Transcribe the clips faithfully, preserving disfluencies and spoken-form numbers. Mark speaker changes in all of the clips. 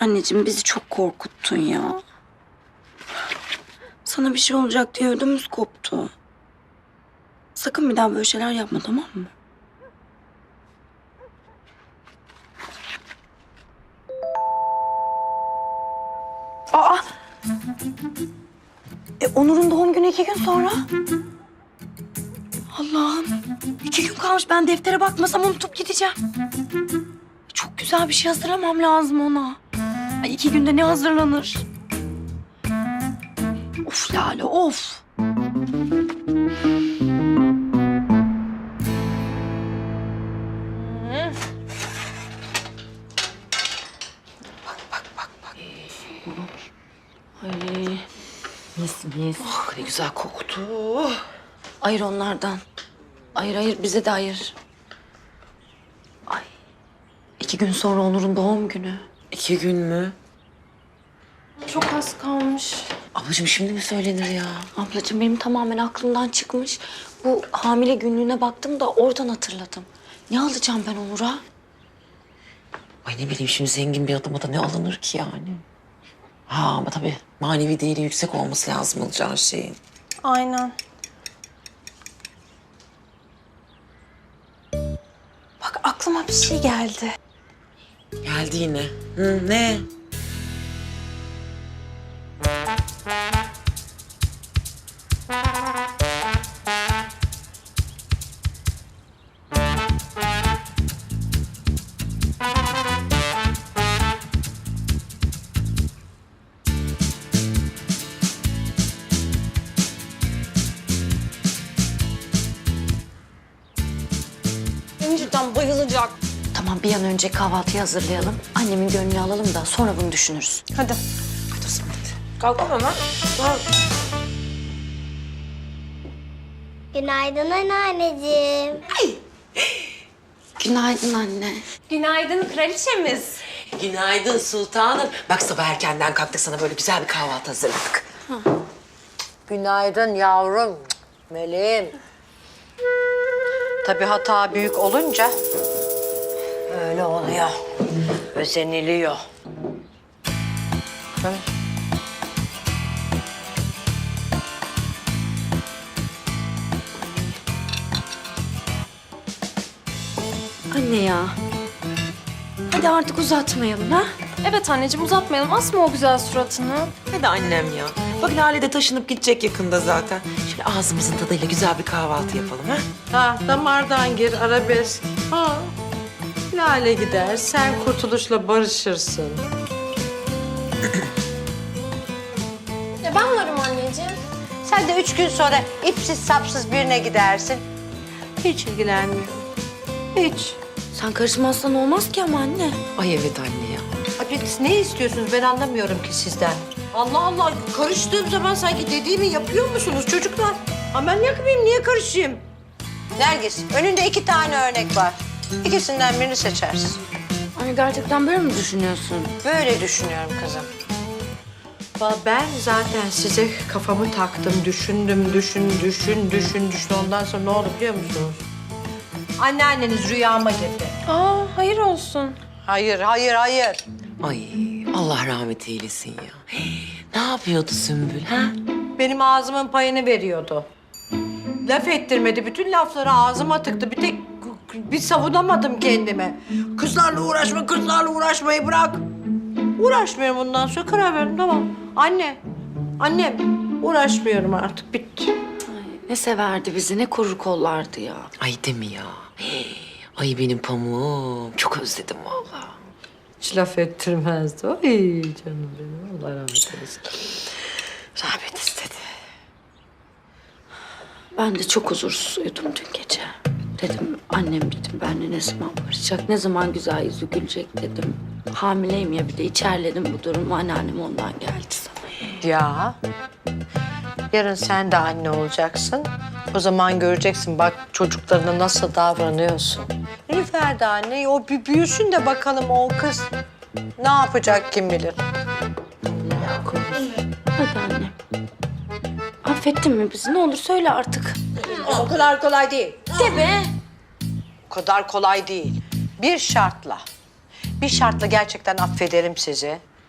Speaker 1: Anneciğim bizi çok korkuttun ya. Sana bir şey olacak diye ödümüz koptu. Sakın bir daha böyle şeyler yapma, tamam mı? Aa! E, Onur'un doğum günü iki gün sonra. Allah'ım. iki gün kalmış. Ben deftere bakmasam unutup gideceğim. Çok güzel bir şey hazırlamam lazım ona. Ay, iki günde ne hazırlanır? Of Lale, of. Bak, bak, bak, bak. Ay, mis mis.
Speaker 2: Oh, ne güzel koktu.
Speaker 1: Ayır onlardan. Ayır, ayır. Bize de ayır. Ay, iki gün sonra Onur'un doğum günü.
Speaker 2: İki gün mü?
Speaker 1: Çok az kalmış.
Speaker 2: Ablacığım şimdi mi söylenir ya?
Speaker 1: Ablacığım benim tamamen aklımdan çıkmış. Bu hamile günlüğüne baktım da oradan hatırladım. Ne alacağım ben Onur'a?
Speaker 2: Ay ne bileyim şimdi zengin bir adama da ne alınır ki yani? Ha ama tabii manevi değeri yüksek olması lazım alacağın şeyin.
Speaker 3: Aynen.
Speaker 1: Bak aklıma bir şey geldi.
Speaker 2: Geldi yine. Hı, ne?
Speaker 3: Cidden bayılacak.
Speaker 1: Tamam bir an önce kahvaltıyı hazırlayalım. Annemin gönlünü alalım da sonra bunu düşünürüz.
Speaker 3: Hadi.
Speaker 2: Hadi o zaman hadi.
Speaker 3: Kalkma hemen.
Speaker 4: Günaydın anneanneciğim.
Speaker 1: Günaydın anne.
Speaker 3: Günaydın kraliçemiz.
Speaker 2: Günaydın sultanım. Bak sabah erkenden kalktık sana böyle güzel bir kahvaltı hazırladık.
Speaker 5: Günaydın yavrum, meleğim. Tabii hata büyük olunca öyle oluyor, özeniliyor. Hı?
Speaker 1: Anne ya. Hadi artık uzatmayalım ha.
Speaker 3: Evet anneciğim uzatmayalım. Asma o güzel suratını.
Speaker 2: Hadi annem ya. Bak Lale de taşınıp gidecek yakında zaten. Şöyle ağzımızın tadıyla güzel bir kahvaltı yapalım ha.
Speaker 5: Ha, damardan gir, arabesk. Ha. Lale gider, sen kurtuluşla barışırsın.
Speaker 3: Ya ben varım anneciğim.
Speaker 5: Sen de üç gün sonra ipsiz sapsız birine gidersin. Hiç ilgilenmiyorum. Hiç.
Speaker 1: Sen karışmazsan olmaz ki ama anne.
Speaker 2: Ay evet anne ya.
Speaker 5: Abi siz ne istiyorsunuz ben anlamıyorum ki sizden. Allah Allah karıştığım zaman sanki dediğimi yapıyor musunuz çocuklar? Ama ben yapmayayım niye karışayım? Nergis önünde iki tane örnek var. İkisinden birini seçersin.
Speaker 1: Anne gerçekten böyle mi düşünüyorsun?
Speaker 5: Böyle düşünüyorum kızım. Vallahi ben zaten size kafamı taktım, düşündüm, düşün, düşün, düşün, düşün. Ondan sonra ne oldu biliyor musunuz? Anneanneniz rüyama girdi.
Speaker 3: Aa hayır olsun.
Speaker 5: Hayır, hayır, hayır.
Speaker 2: Ay Allah rahmet eylesin ya. Ne yapıyordu Sümbül ha?
Speaker 5: Benim ağzımın payını veriyordu. Laf ettirmedi. Bütün lafları ağzıma tıktı. Bir tek bir savunamadım kendime. Kızlarla uğraşma, kızlarla uğraşmayı bırak. Uğraşmıyorum bundan sonra. Karar verdim tamam. Anne, annem uğraşmıyorum artık. Bitti.
Speaker 1: Ay, ne severdi bizi, ne korur kollardı ya.
Speaker 2: Ay değil mi ya? Ay benim pamuğum. Çok özledim vallahi.
Speaker 5: Hiç laf ettirmezdi. Ay canım benim. Allah rahmet eylesin.
Speaker 2: Rahmet istedi.
Speaker 1: Ben de çok huzursuz uyudum dün gece. Dedim annem dedim benimle ne zaman barışacak, ne zaman güzel yüzü gülecek dedim. Hamileyim ya bir de içerledim bu durumu. Anneannem ondan geldi sana.
Speaker 5: Ya. Yarın sen de anne olacaksın. O zaman göreceksin bak çocuklarına nasıl davranıyorsun. Nilüfer de anne. O bir büyüsün de bakalım o kız ne yapacak kim bilir.
Speaker 1: Allah korusun. Hadi annem. Affettin mi bizi? Ne olur söyle artık.
Speaker 5: O kadar kolay değil.
Speaker 1: De be.
Speaker 5: O kadar kolay değil. Bir şartla. Bir şartla gerçekten affederim sizi.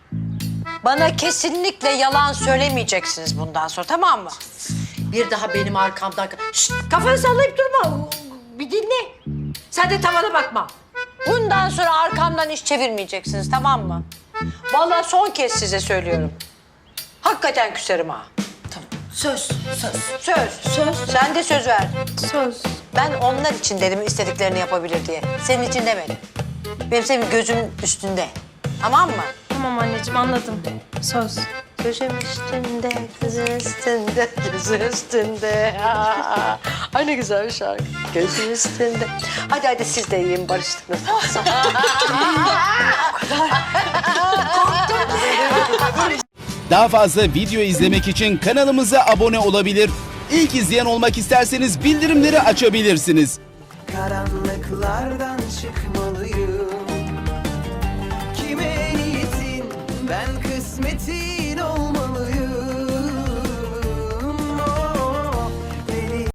Speaker 5: Bana kesinlikle yalan söylemeyeceksiniz bundan sonra, tamam mı? Bir daha benim arkamdan... Şşt, kafanı sallayıp durma. Bir dinle. Sen de tavana bakma. Bundan sonra arkamdan iş çevirmeyeceksiniz, tamam mı? Vallahi son kez size söylüyorum. Hakikaten küserim ha.
Speaker 2: Tamam. Söz, söz.
Speaker 5: Söz. Söz. Sen de söz ver.
Speaker 3: Söz.
Speaker 5: Ben onlar için dedim istediklerini yapabilir diye. Senin için demedim. Benim senin gözümün üstünde. Tamam mı?
Speaker 3: Tamam anneciğim anladım. Söz.
Speaker 5: Gözüm üstünde, gözüm üstünde, gözüm üstünde. Aa, ay ne güzel bir şarkı. Gözüm üstünde. Hadi hadi siz de yiyin, barıştık nasıl olsa.
Speaker 6: Daha fazla video izlemek için kanalımıza abone olabilir. İlk izleyen olmak isterseniz bildirimleri açabilirsiniz.
Speaker 7: Karanlıklardan çıkmalıyım. Kime niyetin ben kısmetin